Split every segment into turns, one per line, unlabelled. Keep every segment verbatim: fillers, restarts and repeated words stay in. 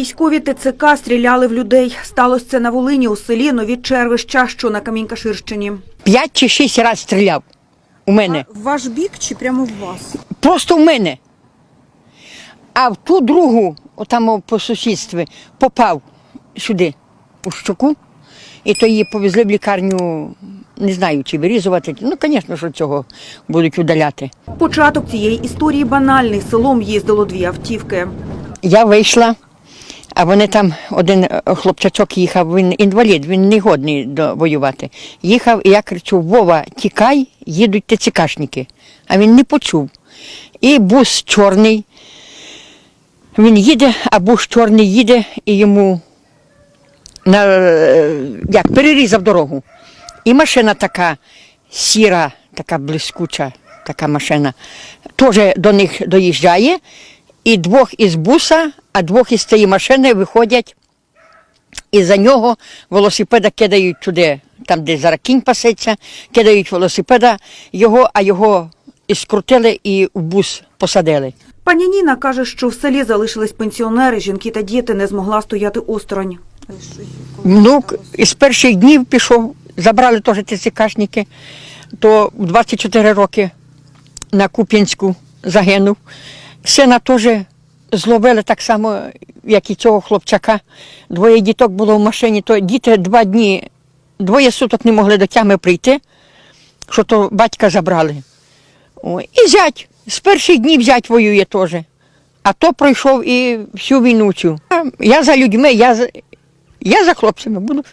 Військові ТЦК стріляли в людей. Сталося це на Волині, у селі Нові Червища, що на Камінь-Каширщині.
П'ять чи шість разів стріляв у мене.
А в ваш бік чи прямо в вас?
Просто в мене. А в ту другу, отам по сусідстві, попав сюди, у щоку. І то її повезли в лікарню, не знаю, чи вирізувати. Ну, звісно, що цього будуть удаляти.
Початок цієї історії банальний. Селом їздило дві автівки.
Я вийшла, а вони там, один хлопчачок їхав, він інвалід, він не годний до воювати. Їхав, і я кричу: Вова, тікай, їдуть ТЦКшники. А він не почув. І бус чорний, він їде, а бус чорний їде, і йому на, як, перерізав дорогу. І машина така сіра, така блискуча, така машина, теж до них доїжджає. І двох із буса, а двох із цієї машини виходять, і за нього велосипеда кидають туди, там, де зараз кінь пасеться, кидають велосипеда його, а його і скрутили і в бус посадили.
Пані Ніна каже, що в селі залишились пенсіонери, жінки та діти, не змогла стояти осторонь.
Внук із перших днів пішов, забрали теж ТЦКшники, то в двадцять чотири роки на Куп'янську загинув. Сина теж зловили так само, як і цього хлопчака. Двоє діток було в машині, то діти два дні, двоє суток не могли до тями прийти, що то батька забрали. О, і зять, з перших днів зять воює теж. А то пройшов і всю війну цю. Я за людьми, я за, я за хлопцями буду.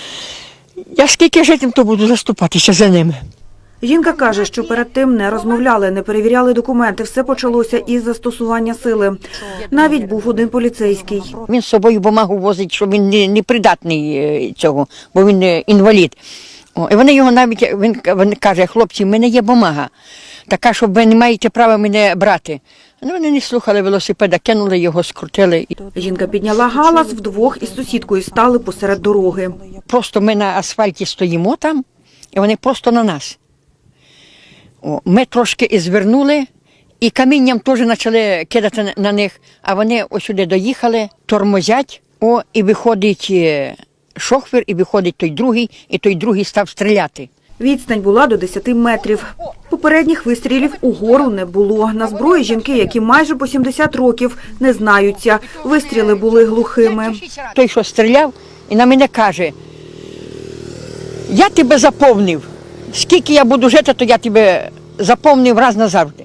Я скільки житим, то буду заступатися за ними.
Жінка каже, що перед тим не розмовляли, не перевіряли документи. Все почалося із застосування сили. Навіть був один поліцейський.
Він з собою бумагу возить, що він не, не придатний цього, бо він інвалід. О, і вони його навіть, він, він каже: хлопці, в мене є бумага, така, що ви не маєте права мене брати. Ну, вони не слухали велосипеда, кинули його, скрутили.
Жінка підняла галас, вдвох із сусідкою стали посеред дороги.
Просто ми на асфальті стоїмо там, і вони просто на нас. О, ми трошки і звернули, і камінням теж почали кидати на них, а вони ось сюди доїхали, тормозять, о, і виходить шофер, і виходить той другий, і той другий став стріляти.
Відстань була до десяти метрів. Попередніх вистрілів угору не було. На зброї жінки, які майже по сімдесят років, не знаються. Вистріли були глухими.
Той, що стріляв, і на мене каже: я тебе заповнив. Скільки я буду жити, то я тебе заповнив раз назавжди.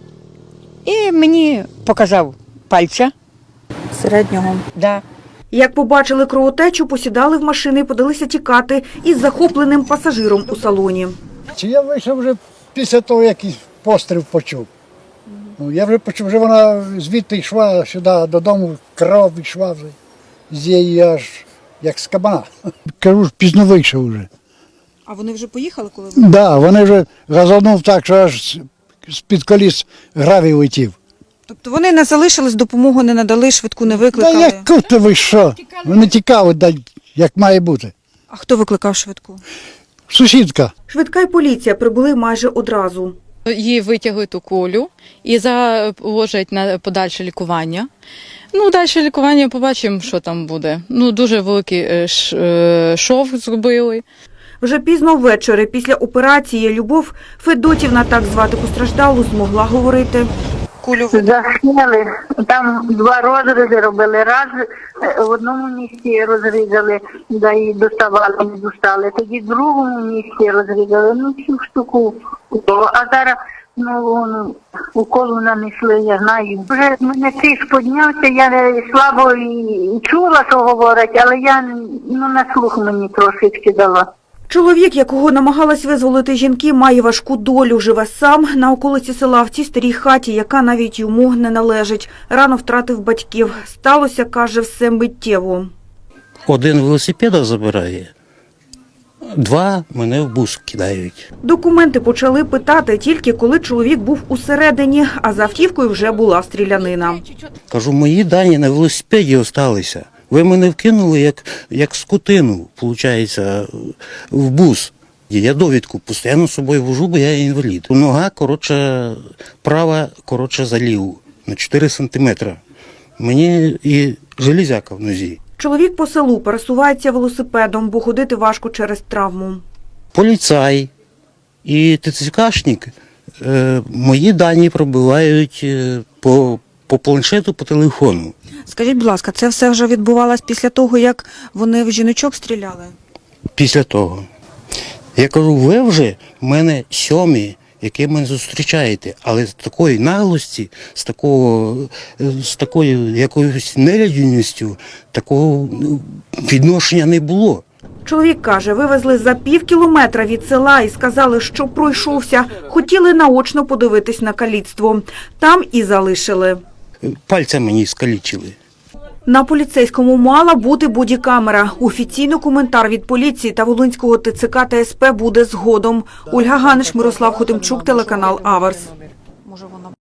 І мені показав пальця.
Середнього.
Да.
Як побачили кровотечу, посідали в машини і подалися тікати із захопленим пасажиром у салоні.
Чи я вийшов вже після того, як постріл почув. Ну, я вже почув, вже вона звідти йшла сюди додому, кров йшла вже з її аж як з кабана. Кажу, ж пізно вийшов вже.
А вони вже поїхали, коли ви?
Так, да, вони вже газанув так, що аж з-під коліс гравій летів.
Тобто вони не залишились, допомогу не надали, швидку не
Та
викликали?
як то ви що? Вони тікали, да, як має бути.
А хто викликав швидку?
Сусідка.
Швидка й поліція прибули майже одразу.
Її витягують у колю і заложать на подальше лікування. Ну, далі лікування побачимо, що там буде. Ну, дуже великий шов зробили.
Вже пізно ввечері, після операції, Любов Федотівна, так звати постраждалу, змогла говорити.
Кулю
Засняли, там два розрізи робили. Раз в одному місці розрізали, да і доставали, не достали. Тоді в другому місці розрізали, ну всю штуку. А зараз ну, уколу нанесли, я знаю. Вже в мене тиск піднявся, я слабо і чула, що говорять, але я ну, на слух мені трошечки дала.
Чоловік, якого намагалась визволити жінки, має важку долю. Живе сам на околиці села в цій старій хаті, яка навіть йому не належить. Рано втратив батьків. Сталося, каже, все миттєво.
Один велосипеда забирає, два мене в бус кидають.
Документи почали питати тільки коли чоловік був усередині, а за автівкою вже була стрілянина.
Кажу, мої дані на велосипеді залишилися. Ви мене вкинули як, як скотину, виходить, в бус. Я довідку постійно з собою вожу, бо я інвалід. Нога, коротше, права, коротше, за ліву, на чотири сантиметри. Мені і железяка в нозі.
Чоловік по селу пересувається велосипедом, бо ходити важко через травму.
Поліцай і ТЦКшник е, мої дані пробивають е, по, по планшету, по телефону.
Скажіть, будь ласка, це все вже відбувалось після того, як вони в жіночок стріляли?
Після того. Я кажу, ви вже в мене сьомі, які мене зустрічаєте, але з такої наглості, з такого, з такою якоюсь нелюдяністю, такого ну, відношення не було.
Чоловік каже, вивезли за пів кілометра від села і сказали, що пройшовся. Хотіли наочно подивитись на каліцтво. Там і залишили.
Пальця мені скалічили.
На поліцейському мала бути бодікамера. Офіційно коментар від поліції та Волинського ТЦК та СП буде згодом. Ольга Ганиш, Мирослав Хотимчук, телеканал Аверс.